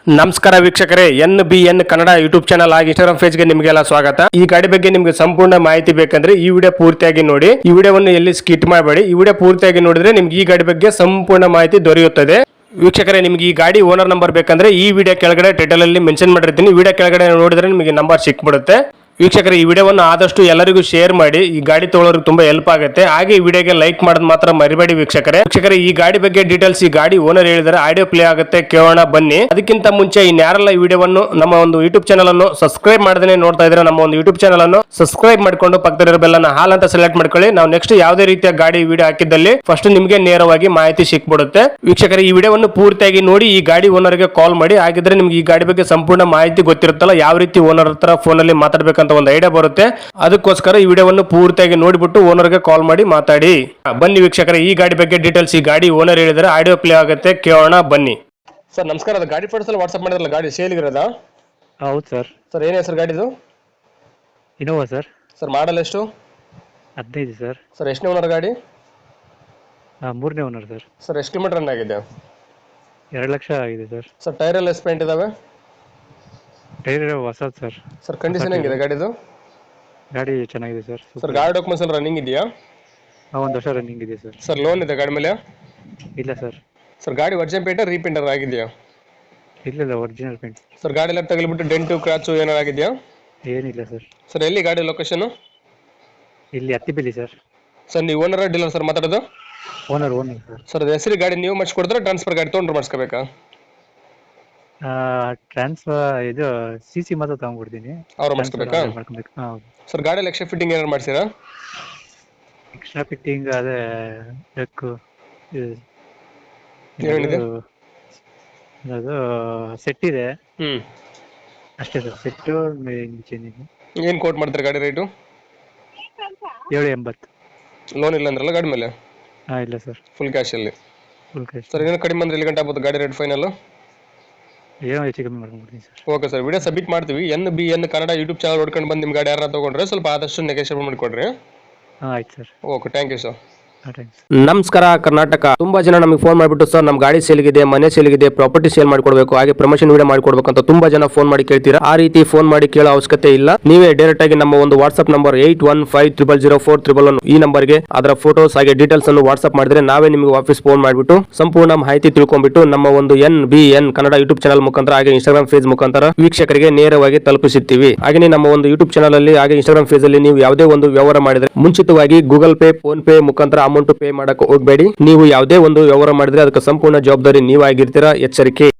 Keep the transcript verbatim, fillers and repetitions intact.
ನಮಸ್ಕಾರ ವೀಕ್ಷಕರೇ, N B N Kannada YouTube channel ಆಗಿ ಇನ್ಸ್ಟಾಗ್ರಾಮ್ ಪೇಜ್ ಗೆ ನಿಮಗೆಲ್ಲ ಸ್ವಾಗತ. ಈ ಗಾಡಿ ಬಗ್ಗೆ ನಿಮಗೆ ಸಂಪೂರ್ಣ ಮಾಹಿತಿ ಬೇಕಂದ್ರೆ ಈ ವಿಡಿಯೋ ಪೂರ್ತಿಯಾಗಿ ನೋಡಿ. ಈ ವಿಡಿಯೋವನ್ನು ಎಲ್ಲಿ ಸ್ಕಿಟ್ ಮಾಡಬೇಡಿ. ಈ ವಿಡಿಯೋ ಪೂರ್ತಿಯಾಗಿ ನೋಡಿದ್ರೆ ನಿಮ್ಗೆ ಈ ಗಾಡಿ ಬಗ್ಗೆ ಸಂಪೂರ್ಣ ಮಾಹಿತಿ ದೊರೆಯುತ್ತದೆ. ವೀಕ್ಷಕರೇ, ನಿಮ್ಗೆ ಈ ಗಾಡಿ ಓನರ್ ನಂಬರ್ ಬೇಕಂದ್ರೆ ಈ ವಿಡಿಯೋ ಕೆಳಗಡೆ ಟೈಟಲ್ ಅಲ್ಲಿ ಮೆನ್ಷನ್ ಮಾಡಿರ್ತೀನಿ. ವಿಡಿಯೋ ಕೆಳಗಡೆ ನೋಡಿದ್ರೆ ನಿಮಗೆ ನಂಬರ್ ಸಿಕ್ಬಿಡುತ್ತೆ. ವೀಕ್ಷಕರೇ, ಈ ವಿಡಿಯೋವನ್ನು ಆದಷ್ಟು ಎಲ್ಲರಿಗೂ ಶೇರ್ ಮಾಡಿ. ಈ ಗಾಡಿ ತಗೊಳ್ಳೋರಿಗೆ ತುಂಬಾ ಹೆಲ್ಪ್ ಆಗುತ್ತೆ. ಹಾಗೆ ಈ ವಿಡಿಯೋಗೆ ಲೈಕ್ ಮಾಡೋದು ಮಾತ್ರ ಮರಿಬೇಡಿ ವೀಕ್ಷಕರೇ. ವೀಕ್ಷಕರೇ, ಈ ಗಾಡಿ ಬಗ್ಗೆ ಡೀಟೇಲ್ಸ್ ಈ ಗಾಡಿ ಓನರ್ ಹೇಳಿದರೆ ಆಡಿಯೋ ಪ್ಲೇ ಆಗುತ್ತೆ, ಕೇಳೋಣ ಬನ್ನಿ. ಅದಕ್ಕಿಂತ ಮುಂಚೆ ಇನ್ಯಾರೆಲ್ಲ ಈ ವಿಡಿಯೋವನ್ನು ನಮ್ಮ ಒಂದು ಯೂಟ್ಯೂಬ್ ಚಾನಲ್ ಅನ್ನು ಸಬ್ಸ್ಕ್ರೈಬ್ ಮಾಡದೇ ನೋಡ್ತಾ ಇದ್ರೆ ನಮ್ಮ ಒಂದು ಯೂಟ್ಯೂಬ್ ಚಾನಲ್ ಅನ್ನು ಸಬ್ಸ್ಕ್ರೈಬ್ ಮಾಡ್ಕೊಂಡು ಪಕ್ಕದಲ್ಲಿರೋ ಬೆಲ್ ಅನ್ನು ಹಾಲ್ ಅಂತ ಸೆಲೆಕ್ಟ್ ಮಾಡ್ಕೊಳ್ಳಿ. ನಾವು ನೆಕ್ಸ್ಟ್ ಯಾವುದೇ ರೀತಿಯ ಗಾಡಿ ವಿಡಿಯೋ ಹಾಕಿದ್ದಲ್ಲಿ ಫಸ್ಟ್ ನಿಮಗೆ ನೇರವಾಗಿ ಮಾಹಿತಿ ಸಿಕ್ಬಿಡುತ್ತೆ. ವೀಕ್ಷಕರೇ, ಈ ವಿಡಿಯೋವನ್ನು ಪೂರ್ತಿಯಾಗಿ ನೋಡಿ. ಈ ಗಾಡಿ ಓನರ್ಗೆ ಕಾಲ್ ಮಾಡಿ. ಹಾಗಿದ್ರೆ ನಿಮ್ಗೆ ಈ ಗಾಡಿ ಬಗ್ಗೆ ಸಂಪೂರ್ಣ ಮಾಹಿತಿ ಗೊತ್ತಿರುತ್ತಲ್ಲ, ಯಾವ ರೀತಿ ಓನರ್ ಹತ್ರ ಫೋನ್ ಅಲ್ಲಿ ಮಾತಾಡ್ಬೇಕಂತ ಒಂದು ಐಡಿಯಾ ಬರುತ್ತೆ. ಅದಕ್ಕೋಸ್ಕರ ಈ ವಿಡಿಯೋವನ್ನು ಪೂರ್ತಿಯಾಗಿ ನೋಡಿಬಿಟ್ಟು ಓನರ್ಗೆ ಕಾಲ್ ಮಾಡಿ ಮಾತಾಡಿ. ಬನ್ನಿ ವೀಕ್ಷಕರೇ, ಈ ಗಾಡಿ ಬಗ್ಗೆ ಡೀಟೇಲ್ಸ್ ಈ ಗಾಡಿ ಓನರ್ ಹೇಳಿದರೆ ಆಡಿಯೋ ಪ್ಲೇ ಆಗುತ್ತೆ, ಕೇಳೋಣ ಬನ್ನಿ. ಸರ್ ನಮಸ್ಕಾರ, ಅದು ಗಾಡಿ ಫೋಟೋಸ್ ಎಲ್ಲ ವಾಟ್ಸ್ಆಪ್ ಮಾಡಿದ್ರಲ್ಲ, ಗಾಡಿ ಸೇಲ್ ಇರೋದಾ? ಹೌದು ಸರ್. ಸರ್ ಏನೇ ಸರ್ ಗಾಡಿದು? Innova sir. ಸರ್ ಮಾಡಲ್ ಎಷ್ಟು? ಹದಿನೈದು ಸರ್. ಸರ್ ಎಷ್ಟನೇ ಓನರ್ ಗಾಡಿ? ಮೂರನೇ ಓನರ್ ಸರ್. ಸರ್ ಎಷ್ಟು ಕಿಲೋಮೀಟರ್ ರನ್ ಆಗಿದೆ? ಎರಡು ಲಕ್ಷ ಆಗಿದೆ ಸರ್. ಸರ್ ಟೈರ್ ಎಲ್ಲ ಎಷ್ಟು ಪೇಂಟ್ ಇದಾವೆ? ಟೈರ್ ಹೊಸದು ಸರ್. ಸರ್ ಕಂಡೀಷನ್ ಹೆಂಗಿದೆ ಗಾಡಿದು? ಗಾಡಿ ಚೆನ್ನಾಗಿದೆ ಸರ್. ಸರ್ ಗಾಡಿ ಡಾಕ್ಯುಮೆಂಟ್ಸ್ ಎಲ್ಲ ರನ್ನಿಂಗ್ ಇದೆಯಾ? ಒಂದು ವರ್ಷ ರನ್ನಿಂಗ್ ಇದೆ ಸರ್. ಸರ್ ಲೋನ್ ಇದೆ ಗಾಡಿ ಮೇಲೆ? ಇಲ್ಲ ಸರ್. ಸರ್ ಗಾಡಿ ಒರಿಜಿನಲ್ ಪೇಂಟ್ ರೀಪೇಂಟರ್ ಆಗಿದೆಯಾ? ಇಲ್ಲ ಇಲ್ಲ, ಒರಿಜಿನಲ್ ಪೇಂಟ್. ಸರ್ ಗಾಡಿ ಎಲ್ಲ ತಗಲಿಬಿಟ್ಟು ಡೆಂಟು ಕ್ರಾಚು ಏನಾರು ಆಗಿದೆಯಾ? ಏನಿಲ್ಲ ಸರ್. ಸರ್ ಎಲ್ಲಿ ಗಾಡಿ ಲೊಕೇಶನ್? ಇಲ್ಲಿ ಹತ್ತಿಬೆಲಿ ಸರ್. ಸರ್ ನೀವು ಓನರ್ ಡೀಲರ್ ಸರ್ ಮಾತಾಡೋದು? Owner owner sir. ಸರ್ ಹೆಸರು ಗಾಡಿ ನೀವು ಮಾಡಿಸ್ಕೊಡ್ತಾರೆ, ಟ್ರಾನ್ಸ್ಫರ್ ಗಾಡಿ ತೊಗೊಂಡ್ರೆ ಮಾಡಿಸ್ಕೋಬೇಕಾ? ಟ್ರಾನ್ಸ್ಫರ್ ಇದು ಸಿ ಸಿ ಮಾತ್ರ ತಗೊಂಡ್ಬಿಡ್ತೀನಿ. ಅವ್ರು ಮಾಡಿಸ್ಕೋಬೇಕಾ? ಮಾಡ್ಕೊಬೇಕು. ಹೌದು ಸರ್ ಗಾಡಿ ಎಕ್ಸ್ಟ್ರಾ ಫಿಟ್ಟಿಂಗ್ ಏನಾರು ಮಾಡಿಸಿರಾ? ಎಕ್ಸ್ಟ್ರಾ ಫಿಟ್ಟಿಂಗ್ ಅದೇ ಬೇಕು. ಏನಿದೆ? ಅದು ಸೆಟ್ ಇದೆ ಹ್ಮ್ ಅಷ್ಟೇ ಸರ್. Set change. ಏನು ಕೋಟ್ ಮಾಡ್ತಾರೆ ಗಾಡಿ ರೇಟು? ಏಳು ಎಂಬತ್ತು. ಲೋನ್ ಇಲ್ಲ ಅಂದ್ರಲ್ಲ ಗಾಡಿ ಮೇಲೆ? ಹಾಂ ಇಲ್ಲ ಸರ್, ಫುಲ್ ಕ್ಯಾಶಲ್ಲಿ. Full cash. ಸರ್ ಏನೋ ಕಡಿಮೆ ಅಂದ್ರೆ ಎಲ್ಲಿ ಗಂಟೆ ಆಗ್ಬೋದು ಗಾಡಿ ರೇಟ್ ಫೈನಲ್? ಏನೋ ಹೆಚ್ಚು ಕಮ್ಮಿ ಮಾಡ್ಕೊಂಡ್ಬಿಡ್ತೀನಿ sir. Okay sir, video submit ಮಾಡ್ತೀವಿ. N B N Kannada YouTube channel ನೋಡ್ಕೊಂಡು ಬಂದು ನಿಮ್ಮ ಗಾಡಿ ಯಾರು ತೊಗೊಂಡ್ರೆ ಸ್ವಲ್ಪ ಆದಷ್ಟು ನೆಗೋಷಿಯೇಟ್ ಮಾಡಿಕೊಡ್ರಿ. ಹಾಂ ಆಯ್ತು sir. Okay, thank you sir. ನಮಸ್ಕಾರ ಕರ್ನಾಟಕ. ತುಂಬಾ ಜನ ನಮಗೆ ಫೋನ್ ಮಾಡಿಬಿಟ್ಟು ಸರ್ ನಮ್ಮ ಗಾಡಿ ಸೇಲ್ಗಿದೆ, ಮನೆ ಸೇಲ್ಗಿದೆ, ಪ್ರಾಪರ್ಟಿ ಸೇಲ್ ಮಾಡ್ಕೊಡ್ಬೇಕು, ಹಾಗೆ ಪ್ರಮೋಷನ್ ವಿಡಿಯೋ ಮಾಡ್ಕೊಡ್ಬೇಕು ಅಂತ ತುಂಬಾ ಜನ ಫೋನ್ ಮಾಡಿ ಕೇಳ್ತೀರಾ. ಆ ರೀತಿ ಫೋನ್ ಮಾಡಿ ಕೇಳೋ ಅವಶ್ಯಕತೆ ಇಲ್ಲ. ನೀವೇ ಡೈರೆಕ್ಟ್ ಆಗಿ ನಮ್ಮ ಒಂದು WhatsApp number eight one five triple zero four triple one ಈ ನಂಬರ್ಗೆ ಅದರ ಫೋಟೋಸ್ ಹಾಗೆ ಡೀಟೇಲ್ಸ್ ಅನ್ನು ವಾಟ್ಸ್ಆಪ್ ಮಾಡಿದ್ರೆ ನಾವೇ ನಿಮಗೆ ವಾಪಸ್ ಫೋನ್ ಮಾಡಿಬಿಟ್ಟು ಸಂಪೂರ್ಣ ಮಾಹಿತಿ ತಿಳ್ಕೊಂಡ್ಬಿಟ್ಟು ನಮ್ಮ ಒಂದು N B N Kannada YouTube channel ಮುಖಾಂತರ ಹಾಗೆ ಇನ್ಸ್ಟಾಗ್ರಾಮ್ ಪೇಜ್ ಮುಖಾಂತರ ವೀಕ್ಷಕರಿಗೆ ನೇರವಾಗಿ ತಲುಪಿಸುತ್ತೀವಿ. ಹಾಗೆ ನಮ್ಮ ಒಂದು ಯೂಟ್ಯೂಬ್ ಚಾನಲ್ ಅಲ್ಲಿ ಹಾಗೆ ಇನ್ಸ್ಟಾಗ್ರಾಮ್ ಪೇಜ್ ಅಲ್ಲಿ ನೀವು ಯಾವುದೇ ಒಂದು ವ್ಯವಹಾರ ಮಾಡಿದ್ರೆ ಮುಂಚಿತವಾಗಿ ಗೂಗಲ್ ಪೇ, ಫೋನ್ ಪೇ ಮುಖಾಂತರ ಅಮೌಂಟ್ ಪೇ ಮಾಡಕ್ಕೆ ಹೋಗಬೇಡಿ. ನೀವು ಯಾವುದೇ ಒಂದು ವ್ಯವಹಾರ ಮಾಡಿದ್ರೆ ಅದಕ್ಕೆ ಸಂಪೂರ್ಣ ಜವಾಬ್ದಾರಿ ನೀವಾಗಿರ್ತೀರಾ. ಎಚ್ಚರಿಕೆ.